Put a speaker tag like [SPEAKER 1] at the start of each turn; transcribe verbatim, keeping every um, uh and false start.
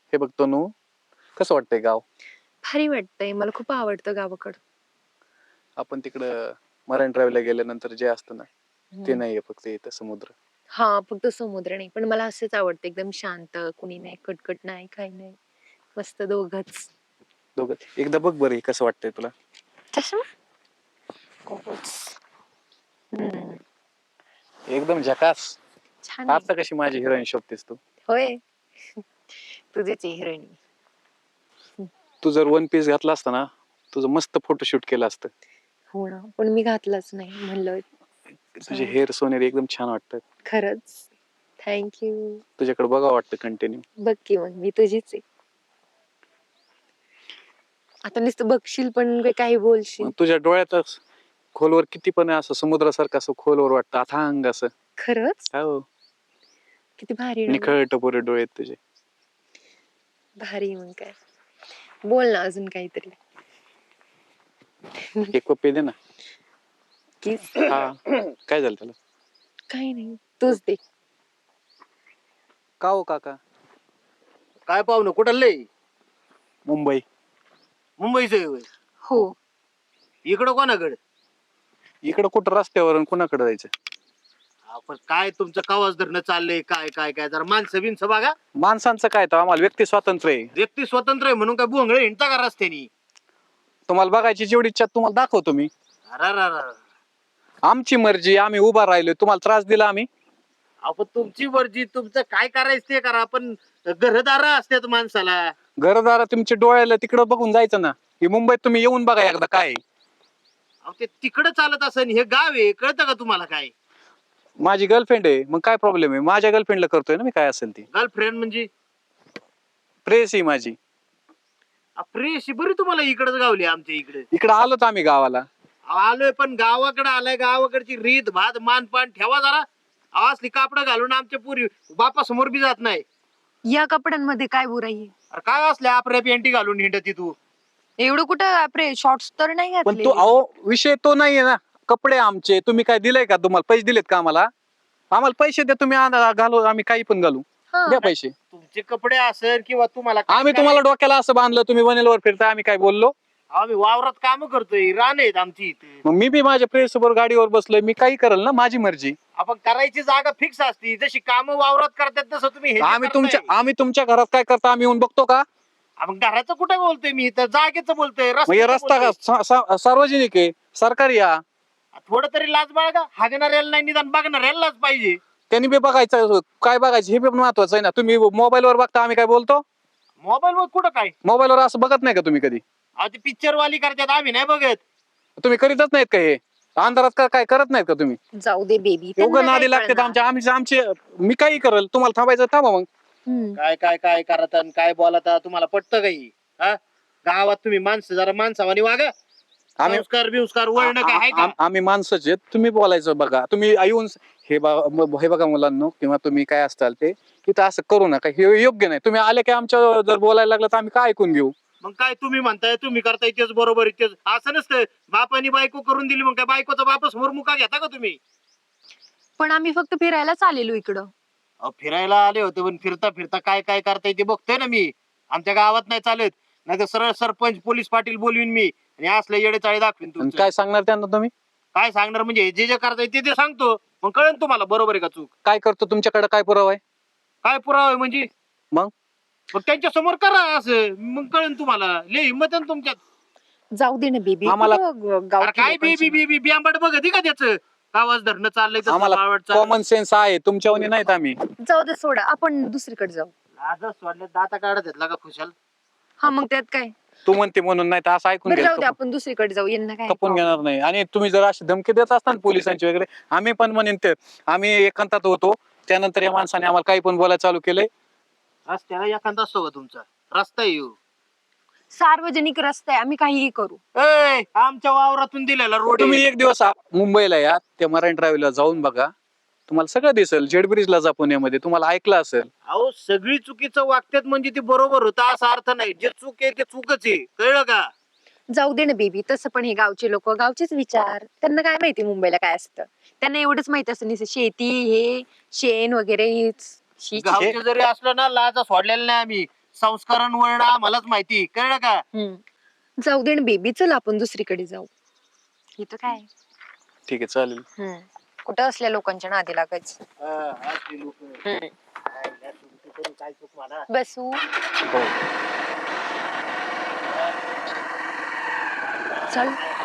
[SPEAKER 1] हे बघ तनू, कसं वाटतंय गाव?
[SPEAKER 2] भारी वाटतंय, मला खूप आवडतं गावाकडं.
[SPEAKER 1] आपण तिकडं मरायन ड्राईव्हला गेल्यानंतर जे असतं ना, ते
[SPEAKER 2] हम्म.
[SPEAKER 1] नाहीये फक्त इथं समुद्र.
[SPEAKER 2] हा, फक्त समुद्र नाही, पण मला असंच आवडतं, एकदम शांत, कुणी नाही, कटकट नाही, काही नाही, मस्त दोघच.
[SPEAKER 1] दोघं एकदा बघ बरं हे कसं वाटतंय तुला.
[SPEAKER 2] तसं हम्म,
[SPEAKER 1] एकदम झकास.
[SPEAKER 2] छान आहे.
[SPEAKER 1] आता कशी माझी हिरोईन शोधतेस तू?
[SPEAKER 2] होय. तुझे हिरोईन.
[SPEAKER 1] तू जर वन पीस घातला असता ना, तुझं मस्त फोटोशूट केलं असतं.
[SPEAKER 2] हो ना, पण मी घातलंच नाही, म्हणलं
[SPEAKER 1] तुझे हेअर सोनेरी एकदम छान वाटतात.
[SPEAKER 2] खरंच थँक्यू.
[SPEAKER 1] तुझ्याकडे बघा वाटतं कंटिन्यू.
[SPEAKER 2] बघ की मग मी तुझीच आहे. आता नुसतं बघशील पण का- काही बोलशील.
[SPEAKER 1] तुझ्या डोळ्यातच खोलवर किती पण आहे, असं समुद्रासारखं असं खोलवर वाटतं, अथांग असं.
[SPEAKER 2] खरंच
[SPEAKER 1] हो,
[SPEAKER 2] किती भारी डोळे.
[SPEAKER 1] निखळ टपोरे डोळे आहेत तुझे.
[SPEAKER 2] भारी मग काय, बोल ना अजून काहीतरी.
[SPEAKER 1] एक पप्पी दे ना.
[SPEAKER 2] किस.
[SPEAKER 1] हा, काय झालं त्याला?
[SPEAKER 2] काही नाही, तूच दे.
[SPEAKER 1] का हो काका?
[SPEAKER 3] काय पाहुणं कुठं लय
[SPEAKER 1] मुंबई.
[SPEAKER 3] मुंबईचं
[SPEAKER 2] हो,
[SPEAKER 3] इकडं कोणाकडे
[SPEAKER 1] इकडं कुठं रस्त्यावर कुणाकडे जायचं?
[SPEAKER 3] आपण काय तुमचं कवाच धरणं चाललंय काय काय काय जरा माणसं बिनसं बघा.
[SPEAKER 1] माणसांचं काय तर आम्हाला व्यक्ती स्वातंत्र्य आहे.
[SPEAKER 3] व्यक्ती स्वतंत्र आहे म्हणून काय भोंगळे हिंडता का रस्त्यानी?
[SPEAKER 1] तुम्हाला बघायची जेवढी इच्छा तुम्हाला दाखवतो मी.
[SPEAKER 3] अरे
[SPEAKER 1] आमची मर्जी, आम्ही उभा राहिलो, तुम्हाला त्रास दिला आम्ही?
[SPEAKER 3] आपण तुमची मर्जी, तुमचं काय करायचं ते करा, पण घरदार असतात माणसाला.
[SPEAKER 1] घरदारा तुमच्या डोळ्याला तिकडं बघून जायचं ना. ही मुंबईत तुम्ही येऊन बघा एकदा काय आहे.
[SPEAKER 3] अहो ते तिकडं चालत असेल, हे गाव आहे, कळतं का तुम्हाला काय?
[SPEAKER 1] माझी गर्लफ्रेंड आहे, मग काय प्रॉब्लेम आहे? माझ्या गर्लफ्रेंडला करतोय ना मी काय असेल ती.
[SPEAKER 3] गर्लफ्रेंड म्हणजे
[SPEAKER 1] प्रेस आहे माझी.
[SPEAKER 3] प्रेशी बरी तुम्हाला इकडच गावली आमच्या इकडे.
[SPEAKER 1] इकडं आलोत आम्ही गावाला.
[SPEAKER 3] आलोय पण गावाकडे आलाय, गावाकडची रीत भात मानपान ठेवा जरा. अहो, असली कापड घालून आमच्या पुरी बापा समोर बी जात नाही.
[SPEAKER 2] या कपड्यांमध्ये काय बुराई आहे?
[SPEAKER 3] अरे काय असल्या आपल्या पेंटी घालून हिंडती तू?
[SPEAKER 2] एवढं कुठं आपले शॉर्ट्स तर नाही
[SPEAKER 1] पण
[SPEAKER 2] घातले.
[SPEAKER 1] तो अहो विषय तो नाहीये ना. कपडे आमचे, तुम्ही काय दिलंय का? तुम्हाला पैसे दिलेत का आम्हाला? आम्हाला पैसे द्या, तुम्ही आ- घालू, आम्ही काही पण घालू.
[SPEAKER 2] हा.
[SPEAKER 1] द्या पैसे.
[SPEAKER 3] तुमचे कपडे असेल किंवा तुम्हाला काय
[SPEAKER 1] आम्ही तुम्हाला
[SPEAKER 3] करायचं?
[SPEAKER 1] डोक्याला असं बांधलं, तुम्ही वनेलवर फिरता, आम्ही काय बोललो?
[SPEAKER 3] आम्ही वावरात काम करतोय, रान आहेत आमची इथे.
[SPEAKER 1] मग मी बी माझ्या प्रेस बरोबर गाडीवर बसलोय, मी काही करेल ना, माझी मर्जी.
[SPEAKER 3] आपण करायची जागा फिक्स असती, जशी काम वावरात करतात तसं तुम्ही हे जे
[SPEAKER 1] आम्ही तुमच्या
[SPEAKER 3] करताय.
[SPEAKER 1] आम्ही तुमच्या घरात काय करता आम्ही येऊन बघतो का?
[SPEAKER 3] आपण घराचं कुठं बोलतोय मी, इथं जागेचं बोलतोय,
[SPEAKER 1] मग हे
[SPEAKER 3] रस्त्याचं
[SPEAKER 1] रस्ता का
[SPEAKER 3] बोलतोय.
[SPEAKER 1] सा- सा- सार्वजनिक आहे, सरकारी या.
[SPEAKER 3] थोडं तरी लाज बाळगा. हागणाऱ्याला नाही निदान बघणाऱ्याला लाज पाहिजे.
[SPEAKER 1] त्यांनी बी बघायचं, काय बघायचं हे बी महत्वाचं आहे ना. तुम्ही मोबाईलवर बघता, आम्ही काय बोलतो?
[SPEAKER 3] मोबाईल वर कुठं काय?
[SPEAKER 1] मोबाईलवर असं बघत नाही का तुम्ही कधी?
[SPEAKER 3] अहो ते पिक्चर वाली करतात, आम्ही नाही बघत.
[SPEAKER 1] तुम्ही करीतच नाहीत का हे? अंधारात का काय करत नाहीत का तुम्ही?
[SPEAKER 2] जाऊ दे बेबी,
[SPEAKER 1] एवढं नादी लागतात आमच्या आमचे आमचे मी काही करेल, तुम्हाला थांबायचं थांबा मग.
[SPEAKER 3] काय काय काय करत आणि काय बोलत तुम्हाला पटतं काही? हा, गावात तुम्ही माणसं जरा माणसावानी वागा.
[SPEAKER 1] आम्ही
[SPEAKER 3] संस्कार बिंस्कार वळणं काय आहे
[SPEAKER 1] आ-
[SPEAKER 3] का?
[SPEAKER 1] आ- आम्ही माणसंच आहेत, तुम्ही बोलायचं बघा. तुम्ही येऊन हे बा- म- हे बघा मुलांनो, किंवा तुम्ही काय असताल ते तिथं असं करू नका, हे योग्य नाही. तुम्ही आले की आमच्या जर बोलायला लागलं तर आम्ही काय ऐकून घेऊ?
[SPEAKER 3] मग काय तुम्ही म्हणताय, तुम्ही करताय तेच बरोबर आहे, तेच असं नसतं. बापानी बायको करून दिली, मग काय बायकोचा बाप समोर मुका घेता का तुम्ही?
[SPEAKER 2] पण आम्ही फक्त फिरायलाच आलेलो इकडं.
[SPEAKER 3] अहो, फिरायला आले होते, पण फिरता फिरता काय काय करताय ते बघतोय ना मी. आमच्या गावात नाही चालत, नाही तर सरळ सरपंच पोलीस पाटील बोलवीन मी आणि असले येडे चाळे दाखवीन
[SPEAKER 1] आणि
[SPEAKER 3] तुमचं.
[SPEAKER 1] काय सांगणार त्यांना तुम्ही?
[SPEAKER 3] काय सांगणार म्हणजे जे जे करताय ते ते सांगतो, मग कळेल तुम्हाला बरोबर आहे का चूक.
[SPEAKER 1] काय करतो? तुमच्याकडे काय पुरावा आहे?
[SPEAKER 3] काय पुरावा आहे म्हणजे?
[SPEAKER 1] मग
[SPEAKER 3] मग त्यांच्या समोर करा असं, मग कळेल तुम्हाला. लय हिंमत आहे ना तुमच्यात.
[SPEAKER 2] जाऊ दे ना बेबी,
[SPEAKER 1] आम्हाला-
[SPEAKER 3] अरे काय बी बी बी बी बियांबट बघत का त्याचं? आवाज धरणं चाललंय तसं
[SPEAKER 1] आम्हाला
[SPEAKER 3] बावळट चाललंय.
[SPEAKER 1] कॉमन सेन्स आहे, तुमच्यावानी नाहीत आम्ही.
[SPEAKER 2] जाऊ दे, सोडा, आपण दुसरीकडे जाऊ.
[SPEAKER 3] लाजच सोडले, दाता काढत घेतला का खुशाल?
[SPEAKER 2] हा, मग त्यात काय.
[SPEAKER 1] तू म्हणते म्हणून नाही तर असं ऐकून
[SPEAKER 2] बरं जाऊ दे,
[SPEAKER 1] घ्या.
[SPEAKER 2] आपण दुसरीकडे जाऊ, यांना काय
[SPEAKER 1] खपून घेणार नाही. आणि तुम्ही जर अशी धमकी देत असताना पोलिसांची वगैरे, आम्ही पण म्हणेन ते आम्ही एकांतात होतो, त्यानंतर या माणसाने आम्हाला काही पण बोलायला चालू केलंय.
[SPEAKER 3] रस्त्याला एखादा असतो का तुमचा? रस्ता येऊ
[SPEAKER 2] सार्वजनिक रस्ता आहे, आम्ही काहीही करू.
[SPEAKER 3] ए, आमच्या वावरातून दिलेला रोड
[SPEAKER 1] तुम्ही एक दिवस आ- मुंबईला या, त्या मरायन ड्राईव्हला जाऊन बघा, तुम्हाला सगळं दिसेल. जेड ब्रिजला जा पुण्यामध्ये, तुम्हाला ऐकलं असेल.
[SPEAKER 3] अहो सगळी चुकीचं वागतात म्हणजे ते बरोबर होतं असा अर्थ नाही. जे चूक आहे ते चूकच आहे, कळलं का?
[SPEAKER 2] जाऊ दे ना बेबी, तसं पण हे गावचे लोक, गावचेच विचार, त्यांना काय माहिती मुंबईला काय असतं. त्यांना एवढंच माहित असतं नुसतं शेती, हे शेण वगैरे हेच. शी, शी.
[SPEAKER 3] गावचे जरी असलं ना, लाजा सोडलेला नाही आम्ही. संस्कारण वळण आम्हालाच माहिती, कळलं का?
[SPEAKER 2] हम्म. जाऊ दे बेबी, चल आपण दुसरीकडे जाऊ.
[SPEAKER 4] इथं काय
[SPEAKER 1] ठीक आहे चालेल.
[SPEAKER 2] हम्म. कुठं असल्या लोकांच्या नादी लागायचं.
[SPEAKER 3] हा, असली लोकं.
[SPEAKER 2] हम्म.
[SPEAKER 3] काय, या सुट्टी करून काय चूक म्हणा.
[SPEAKER 2] बसू.
[SPEAKER 1] हो.
[SPEAKER 2] चल.